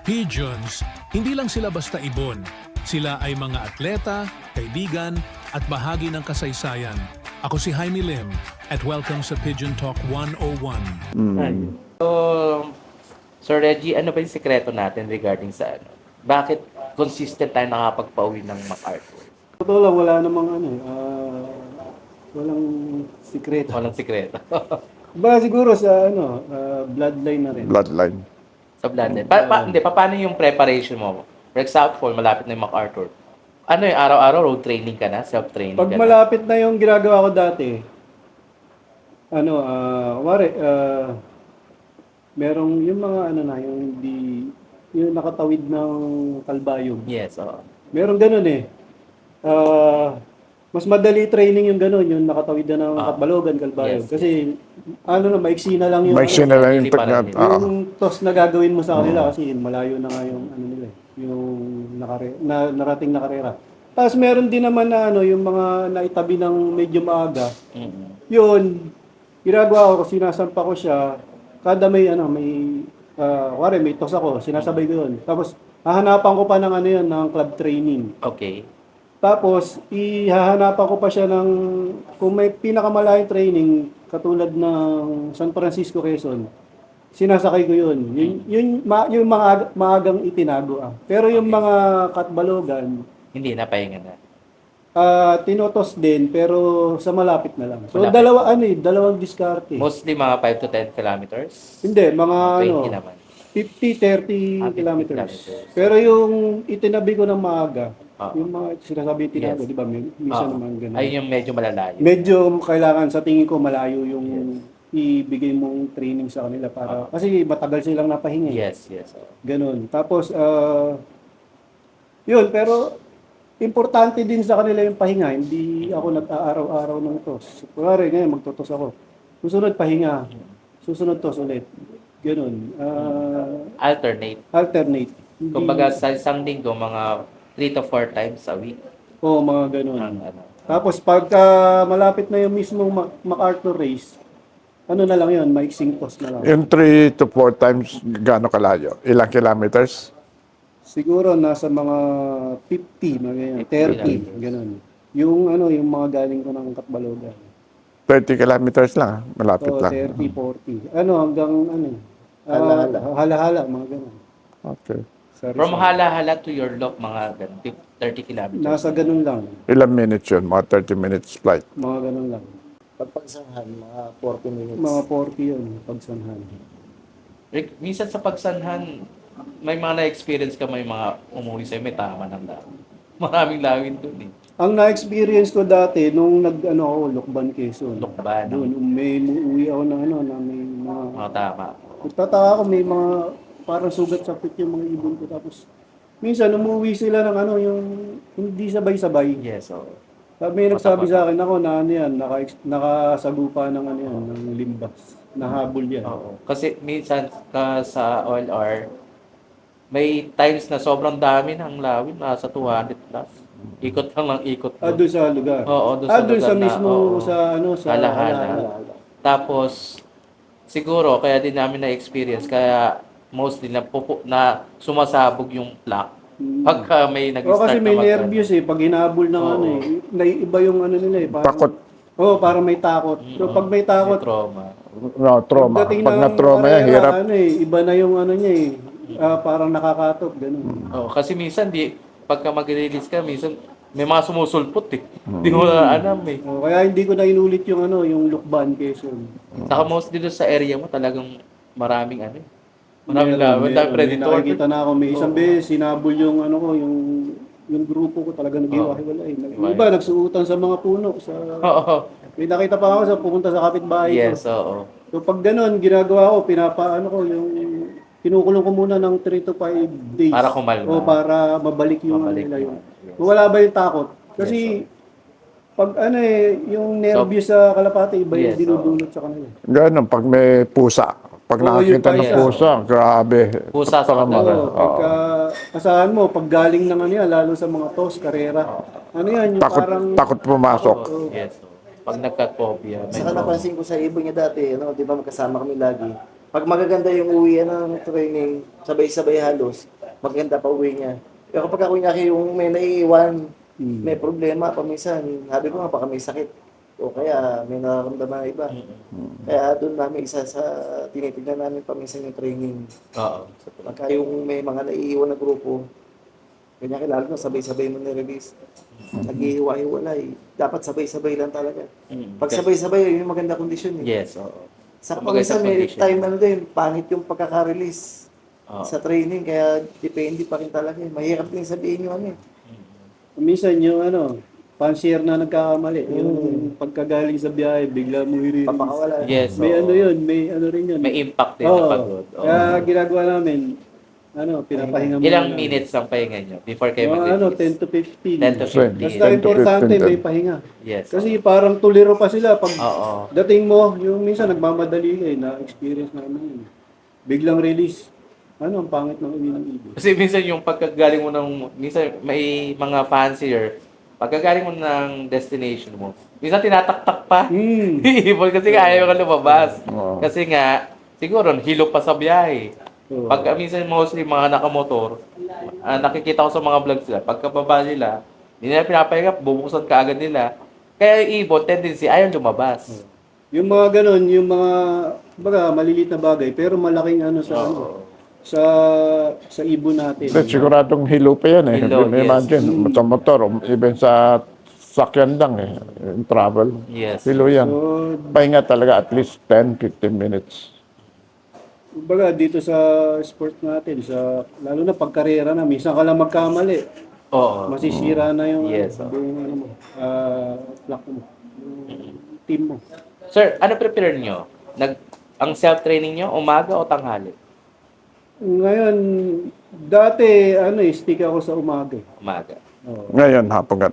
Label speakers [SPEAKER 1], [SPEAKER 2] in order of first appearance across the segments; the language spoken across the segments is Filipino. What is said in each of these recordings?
[SPEAKER 1] Pigeons, hindi lang sila basta ibon. Sila ay mga atleta, kaibigan, at bahagi ng kasaysayan. Ako si Jaime Lim at welcome sa Pigeon Talk 101.
[SPEAKER 2] So, Sir Reggie, ano ba yung sekreto natin regarding sa ano? Bakit consistent tayo nakapagpauwi ng MacArthur?
[SPEAKER 3] Totoo lang, wala namang walang sikreto.
[SPEAKER 2] Walang sekreto.
[SPEAKER 3] Ba siguro sa bloodline na rin.
[SPEAKER 4] Bloodline.
[SPEAKER 2] Sa bloodline. Paano yung preparation mo? For example, malapit na yung MacArthur. Ano yung araw-araw road training ka na? Self-training
[SPEAKER 3] Pag
[SPEAKER 2] ka na?
[SPEAKER 3] malapit na yung ginagawa ko dati, merong yung mga yung yung nakatawid ng kalbayog.
[SPEAKER 2] Yes, oo.
[SPEAKER 3] Meron ganun eh. Mas madali training yung ganun, yung nakatawid na ng Katbalogan, Kalbayog.
[SPEAKER 2] Yes.
[SPEAKER 3] Kasi, maiksi na lang yung,
[SPEAKER 4] May na lang yung
[SPEAKER 2] Hindi para
[SPEAKER 4] pag
[SPEAKER 2] nila.
[SPEAKER 3] yung toss na gagawin mo sa kanila kasi malayo na nga yung nila eh, yung narating na karera. Tapos meron din naman na yung mga naitabi ng medyo maaga.
[SPEAKER 2] Mm-hmm.
[SPEAKER 3] Yun, ginagawa ko, sinasampa ko siya, kada may may toss ako, sinasabay ko yun. Tapos, hahanapan ko pa ng ng club training.
[SPEAKER 2] Okay.
[SPEAKER 3] Tapos, ihahanapan ko pa siya ng, kung may pinakamalayong training, katulad ng San Francisco, Quezon, sinasakay ko yun. Yung maagang itinago. Pero yung mga Katbalogan,
[SPEAKER 2] Hindi na, pahinga na.
[SPEAKER 3] tinotos din, pero sa malapit na lang. So,
[SPEAKER 2] Malapit.
[SPEAKER 3] dalawang diskarte.
[SPEAKER 2] Mostly mga 5 to 10 kilometers.
[SPEAKER 3] Hindi, mga
[SPEAKER 2] 20 naman.
[SPEAKER 3] 50, 30
[SPEAKER 2] 50
[SPEAKER 3] kilometers.
[SPEAKER 2] kilometers.
[SPEAKER 3] Pero yung itinabi ko ng maaga, yung mga sinasabi tinago,
[SPEAKER 2] Yes.
[SPEAKER 3] di ba? Minsan naman ganun.
[SPEAKER 2] Ay, yung medyo malalayo.
[SPEAKER 3] Medyo kailangan sa tingin ko malayo yung ibigay mong training sa kanila para kasi matagal silang napahinga.
[SPEAKER 2] Yes, yes.
[SPEAKER 3] Ganun. Tapos yun, pero importante din sa kanila yung pahinga. Hindi ako nag-aaraw-araw ng tos. Kunwari ngayon magtotos ako. Susunod pahinga. Susunod tos ulit. Ganun.
[SPEAKER 2] Alternate.
[SPEAKER 3] Alternate.
[SPEAKER 2] Kumbaga sa isang linggo, mga 3 to 4 times a week.
[SPEAKER 3] Oo, mga ganun.
[SPEAKER 2] Ang ano.
[SPEAKER 3] Tapos pagka malapit na yung mismong MacArthur race, ano na lang yun, maiksing toss na lang.
[SPEAKER 4] Yung 3 to 4 times, gaano kalayo? Ilang kilometers?
[SPEAKER 3] Siguro nasa mga 50, mga ganyan, 30, ganun. Yung yung mga galing ko ng Katbalogan.
[SPEAKER 4] 30 kilometers lang, malapit
[SPEAKER 3] So,
[SPEAKER 4] lang.
[SPEAKER 3] 30, 40. Hanggang halahala, mga ganun.
[SPEAKER 4] Okay.
[SPEAKER 3] Sa
[SPEAKER 2] From
[SPEAKER 3] Rizal.
[SPEAKER 2] Hala-Hala to your lock, mga 30 kilometers.
[SPEAKER 3] Nasa ganun lang,
[SPEAKER 4] Ilang minutes yun? Mga 30 minutes flight.
[SPEAKER 3] mga ganun lang.
[SPEAKER 5] Pagpagsanhan, mga 40 minutes.
[SPEAKER 3] Mga 40 yun, pagsanhan.
[SPEAKER 2] Rick, minsan sa pagsanhan, may mga na-experience ka, may mga umuwi sa'yo, may tama ng lawin. Maraming lawin dun eh.
[SPEAKER 3] Ang na-experience ko dati, nung ako, Lokban, Quezon.
[SPEAKER 2] Lokban,
[SPEAKER 3] Doon, may uwi ako na na may mga...
[SPEAKER 2] mga tama.
[SPEAKER 3] Nagtataka ako, may mga parang sugat sa pit yung mga ibon ko. Tapos, minsan, umuwi sila ng yung hindi sabay-sabay.
[SPEAKER 2] Yes, oo.
[SPEAKER 3] May nagsabi sa akin ako na nakasagupa ng ng limbas. Nahabol yan.
[SPEAKER 2] Oo. Kasi minsan sa OLR, may times na sobrang dami ng lawin, nasa 200 plus. Ikot lang ng ikot.
[SPEAKER 3] Doon sa lugar.
[SPEAKER 2] Oo, doon
[SPEAKER 3] Doon sa
[SPEAKER 2] lugar na,
[SPEAKER 3] mismo,
[SPEAKER 2] oo.
[SPEAKER 3] sa
[SPEAKER 2] Hala-hala. Tapos, siguro, kaya din namin na-experience, kaya mostly na sumasabog yung plaque. Pagka may nag-start
[SPEAKER 3] kasi may
[SPEAKER 2] na
[SPEAKER 3] nervyos pag hinabol ng naiiba yung nila parang,
[SPEAKER 4] Takot.
[SPEAKER 3] parang may takot. So pag may takot,
[SPEAKER 2] trauma.
[SPEAKER 4] No, trauma.
[SPEAKER 3] pagdating
[SPEAKER 4] Pag
[SPEAKER 3] ng
[SPEAKER 4] na-trauma yan,
[SPEAKER 3] karera,
[SPEAKER 4] hirap.
[SPEAKER 3] iba na yung niya parang nakakatok, ganun.
[SPEAKER 2] Oh, kasi minsan pagka mag-release ka, minsan may mga sumusulpot eh. Hindi mo na alam eh.
[SPEAKER 3] Kaya hindi ko na inulit yung yung Lukban, Quezon.
[SPEAKER 2] Saka mostly doon sa area mo talagang maraming maraming laban, dahil
[SPEAKER 3] May
[SPEAKER 2] predator.
[SPEAKER 3] nakikita na ako, may isang beses, sinabol yung yung grupo ko talaga nag-iwahiwalay. Iba, nagsuutan sa mga puno.
[SPEAKER 2] Oo.
[SPEAKER 3] May nakita pa ako pupunta sa kapitbahay
[SPEAKER 2] Yes,
[SPEAKER 3] ko.
[SPEAKER 2] oo.
[SPEAKER 3] So pag ganun, ginagawa ko, yung kinukulong ko muna ng 3 to 5 days.
[SPEAKER 2] Para kumalma.
[SPEAKER 3] O para mabalik yung
[SPEAKER 2] Mabalik
[SPEAKER 3] nila
[SPEAKER 2] na.
[SPEAKER 3] yung.
[SPEAKER 2] Yes.
[SPEAKER 3] Wala ba yung takot? Kasi pag yung nervyos sa kalapate, iba yung
[SPEAKER 2] Yes,
[SPEAKER 3] dinudulot sa kanila.
[SPEAKER 4] Ganun, pag may pusa. Pag
[SPEAKER 3] Oo,
[SPEAKER 4] nakakita
[SPEAKER 3] yun
[SPEAKER 4] ng
[SPEAKER 3] pa,
[SPEAKER 4] pusa, grabe.
[SPEAKER 2] Pusa sa
[SPEAKER 4] Tama ka.
[SPEAKER 3] Oo, pagka asahan mo, pag galing ng yan, lalo sa mga tos, karera, yan, yung
[SPEAKER 4] Takot,
[SPEAKER 3] parang,
[SPEAKER 4] takot pumasok.
[SPEAKER 2] Oo. Yes. Oo. Pag nagka-phobia, may
[SPEAKER 5] Saka
[SPEAKER 2] trauma.
[SPEAKER 5] napansin ko sa ibon niya dati, di ba magkasama kami lagi. Pag magaganda yung uwian ng training, sabay-sabay halos, maganda pa uwi niya. Pero kapag kunyari yung may naiiwan,
[SPEAKER 3] Mm.
[SPEAKER 5] may problema, paminsan, sabi ko nga, baka may sakit. O kaya may nararamdaman na iba. Kaya doon namin isa sa tinitignan namin paminsan yung training.
[SPEAKER 2] Oo.
[SPEAKER 5] Pagka yung may mga naiiwan na grupo, kanya lalo na sabay-sabay mo nirelease. Naghihiwa-hiwalay. Dapat sabay-sabay lang talaga. Pag sabay-sabay, yun yung maganda kondisyon eh.
[SPEAKER 2] Yes, oo.
[SPEAKER 5] Sa
[SPEAKER 2] Kumbaga
[SPEAKER 5] paminsan
[SPEAKER 2] sa
[SPEAKER 5] may
[SPEAKER 2] condition.
[SPEAKER 5] time na din, pangit yung pagkaka-release
[SPEAKER 2] Oo.
[SPEAKER 5] sa training, kaya depende pa rin talaga eh. Mahirap din sabihin yung ano eh.
[SPEAKER 3] Minsan yung pansier na nagkakamali, yung pagkagaling sa biyahe, bigla mo i-release.
[SPEAKER 5] Papakawala.
[SPEAKER 2] Yes,
[SPEAKER 3] May
[SPEAKER 2] oo.
[SPEAKER 3] ano yun, may ano rin yun.
[SPEAKER 2] May impact din
[SPEAKER 3] Oo.
[SPEAKER 2] na pagod. Oo.
[SPEAKER 3] Kaya ginagawa namin, pinapahinga muna.
[SPEAKER 2] Ilang minutes ang pahinga nyo before kayo
[SPEAKER 3] Mga
[SPEAKER 2] mag-release?
[SPEAKER 3] 10 to 15.
[SPEAKER 2] 10 to 15.
[SPEAKER 3] Basta
[SPEAKER 4] 10 to
[SPEAKER 3] importante
[SPEAKER 4] 15.
[SPEAKER 3] may pahinga.
[SPEAKER 2] Yes.
[SPEAKER 3] Kasi parang tuliro pa sila pag
[SPEAKER 2] Oo.
[SPEAKER 3] dating mo, yung minsan nagmamadali ka na-experience namin yun. Biglang release. Ang pangit ng uwi ng ibon.
[SPEAKER 2] Kasi minsan yung pagkagaling mo ng, minsan may mga fancier, pagkagaling mo ng destination mo, minsan tinataktak pa.
[SPEAKER 3] Hmm.
[SPEAKER 2] Ibon kasi nga ayaw ka lumabas.
[SPEAKER 4] Oo.
[SPEAKER 2] Kasi nga, siguro, hilo pa sa biyahe.
[SPEAKER 3] Oo.
[SPEAKER 2] Pag minsan mostly mga nakamotor, nakikita ko sa mga vlogs nila, pagkababa nila, hindi nila pinapahinga, bubuksan ka agad nila. Kaya yung ibon, tendency, ayaw lumabas.
[SPEAKER 3] Yung mga ganun, yung mga maliliit na bagay, pero malaking
[SPEAKER 2] Oo.
[SPEAKER 3] sa ibon natin.
[SPEAKER 4] Hindi, siguradong hilo pa yan eh.
[SPEAKER 2] Hilo, yes.
[SPEAKER 4] Imagine, sa motor, even sa sakyan lang eh, in travel.
[SPEAKER 2] Yes.
[SPEAKER 4] Hilo yan.
[SPEAKER 3] So,
[SPEAKER 4] Pahinga talaga at least 10-15 minutes.
[SPEAKER 3] kumbaga dito sa sport natin, lalo na pagkarera na, minsan ka lang magkamali.
[SPEAKER 2] Oo.
[SPEAKER 3] Masisira na yung,
[SPEAKER 2] Yes,
[SPEAKER 3] buong flock mo, yung team mo.
[SPEAKER 2] Sir, ano prepare nyo? Ang self-training nyo, umaga o tanghali?
[SPEAKER 3] Ngayon, dati, stick ako sa umaga.
[SPEAKER 2] Umaga.
[SPEAKER 3] Oo.
[SPEAKER 4] Ngayon, hapagat.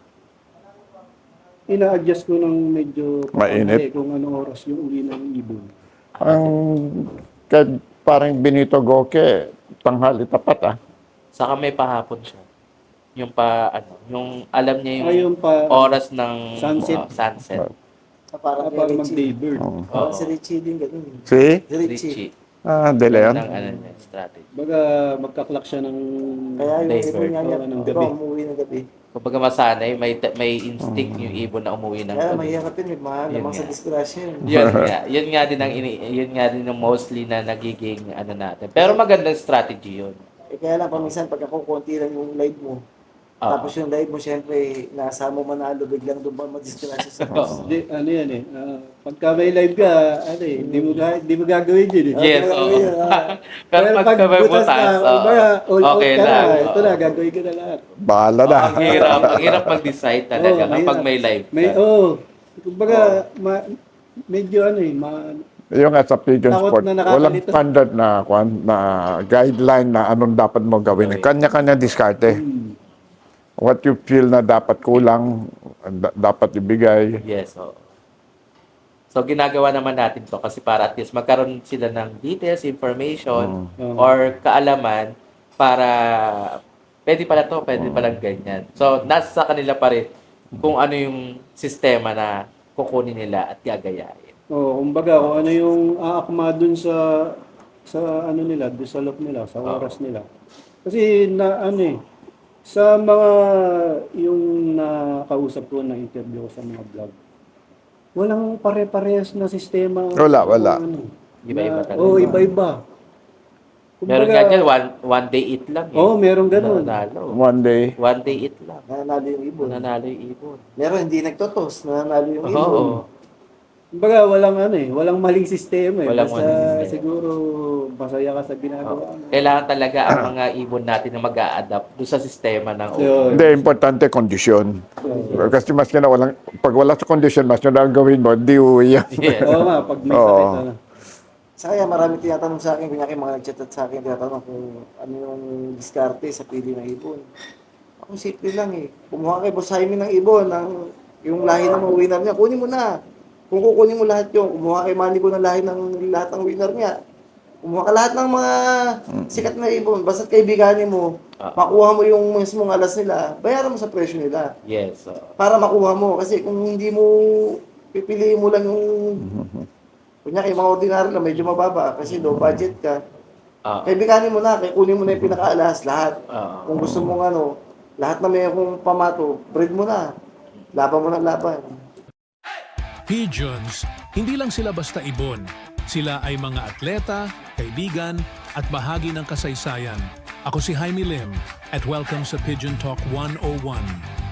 [SPEAKER 3] Ina-adjust ko ng medyo
[SPEAKER 4] Mainit.
[SPEAKER 3] kung anong oras yung uli ng ibon.
[SPEAKER 4] Ang kahit parang Benito Goque, tanghali tapat ah.
[SPEAKER 2] Saka may pahapon siya. Yung yung alam niya yung
[SPEAKER 3] Ayun pa,
[SPEAKER 2] oras ng
[SPEAKER 3] Sunset.
[SPEAKER 2] sunset.
[SPEAKER 5] Parang
[SPEAKER 3] para
[SPEAKER 5] kay
[SPEAKER 3] mag-day
[SPEAKER 5] Richie.
[SPEAKER 3] bird.
[SPEAKER 4] Oo.
[SPEAKER 5] Parang si Richie din ganun.
[SPEAKER 4] See?
[SPEAKER 5] Si Richie.
[SPEAKER 2] Richie.
[SPEAKER 4] De Leon.
[SPEAKER 2] Ng niya, strategy.
[SPEAKER 3] Baga, magka-clock siya ng...
[SPEAKER 5] Kaya yung
[SPEAKER 2] Day
[SPEAKER 5] ibon
[SPEAKER 2] bird.
[SPEAKER 5] niya niya,
[SPEAKER 3] Oo, ng
[SPEAKER 5] di ba,
[SPEAKER 3] gabi.
[SPEAKER 5] umuwi ng gabi.
[SPEAKER 2] Kumbaga masanay, may instinct yung ibon na umuwi ng
[SPEAKER 5] Kaya
[SPEAKER 2] gabi.
[SPEAKER 5] mahirap yun, may mga
[SPEAKER 2] Yun
[SPEAKER 5] lamang sa
[SPEAKER 2] nga.
[SPEAKER 5] disgrasya yun.
[SPEAKER 2] Yun nga din yun nga din ang mostly na nagiging natin. Pero magandang strategy yun.
[SPEAKER 5] Kaya lang, paminsan, pagka konti lang yung live mo,
[SPEAKER 2] Oo.
[SPEAKER 5] tapos yung live mo, syempre, nasa mo manalo, biglang doon ba madisgrasya sa boss.
[SPEAKER 3] Di, yan pagka may live ka, di mo gagawin yun eh.
[SPEAKER 2] Yes,
[SPEAKER 5] Kaya
[SPEAKER 2] oo.
[SPEAKER 5] yun,
[SPEAKER 2] Pero pag may
[SPEAKER 3] butas
[SPEAKER 2] butas,
[SPEAKER 3] na,
[SPEAKER 2] oo.
[SPEAKER 3] baga, all out
[SPEAKER 2] Okay
[SPEAKER 3] ka na,
[SPEAKER 2] lang.
[SPEAKER 3] ito
[SPEAKER 2] oo.
[SPEAKER 3] na, gagawin ka na lahat.
[SPEAKER 4] Bahala na.
[SPEAKER 2] Ang hirap mag-decide talaga
[SPEAKER 3] Oo,
[SPEAKER 2] kapag
[SPEAKER 3] mahirap.
[SPEAKER 2] may live
[SPEAKER 3] May,
[SPEAKER 2] ka.
[SPEAKER 3] kumbaga, medyo
[SPEAKER 4] Yung nga sa pigeon
[SPEAKER 3] Takot
[SPEAKER 4] sport,
[SPEAKER 3] na nakakalito.
[SPEAKER 4] walang standard na guideline na anong dapat mo gawin.
[SPEAKER 2] Gawin.
[SPEAKER 4] Kanya-kanya diskarte. What you feel na dapat kulang, dapat ibigay.
[SPEAKER 2] Yes, oo. So, ginagawa naman natin to kasi para at least magkaroon sila ng details, information, or kaalaman para pwede pala to, pwede palang ganyan. So, nasa kanila pa rin kung ano yung sistema na kukunin nila at gagayahin.
[SPEAKER 3] kumbaga, kung ano yung aakma dun sa nila, dun sa loob nila, sa oras nila. Kasi sa mga yung nakausap ko, na-interview ko sa mga vlog, walang pare-parehas na sistema.
[SPEAKER 4] Wala.
[SPEAKER 2] Iba-iba talaga.
[SPEAKER 3] Oo, iba-iba.
[SPEAKER 2] Meron nga dyan, one day eat lang.
[SPEAKER 3] Oo, meron ganun.
[SPEAKER 2] Nanalo.
[SPEAKER 4] One day,
[SPEAKER 2] One day eat lang.
[SPEAKER 5] Nanalo yung ibon.
[SPEAKER 2] Nanalo yung ibon.
[SPEAKER 5] Meron, hindi nagtotos, nanalo yung ibon.
[SPEAKER 2] Oo.
[SPEAKER 3] Kumbaga, walang maling sistema eh.
[SPEAKER 2] Walang
[SPEAKER 3] Basta
[SPEAKER 2] maling sistema.
[SPEAKER 3] siguro masaya ka sa ginagawa mo.
[SPEAKER 2] Kailangan talaga ang mga ibon natin na mag-a-adapt doon sa sistema ng
[SPEAKER 3] Yun.
[SPEAKER 4] hindi, importante kondisyon. Kasi mas na pag wala sa kondisyon, mas na gawin mo, di uwi yan.
[SPEAKER 2] Yes.
[SPEAKER 3] Oo nga, pag may
[SPEAKER 4] Oo.
[SPEAKER 3] sakit,
[SPEAKER 5] Sa kaya marami tinatanong sa akin, kunyari mga nagchat sa akin, tinatanong kung ano yung diskarte sa pili ng ibon. Ako simple lang eh. Kumuha kay Boss Jaime ng ibon, yung lahi ng mga winner niya, kunin mo na. Kung kukunin mo lahat yung, kumuha kay Manny ko ng lahi ng lahat ng winner niya. Kumuha ka lahat ng mga sikat na ibon, basta't kaibiganin mo, makuha mo yung mismong alas nila, bayaran mo sa presyo nila.
[SPEAKER 2] Yes.
[SPEAKER 5] Para makuha mo. Kasi kung hindi mo, pipiliin mo lang yung, kunyari, mga ordinary lang, medyo mababa, kasi low budget ka. Kaibiganin mo na, kunin mo na yung pinakaalas, lahat.
[SPEAKER 2] Oo.
[SPEAKER 5] Kung gusto mong lahat na may akong pamato, breed mo na. Laban mo na laban.
[SPEAKER 1] Pigeons, hindi lang sila basta ibon. Sila ay mga atleta, kaibigan, at bahagi ng kasaysayan. Ako si Jaime Lim at welcome sa Pigeon Talk 101.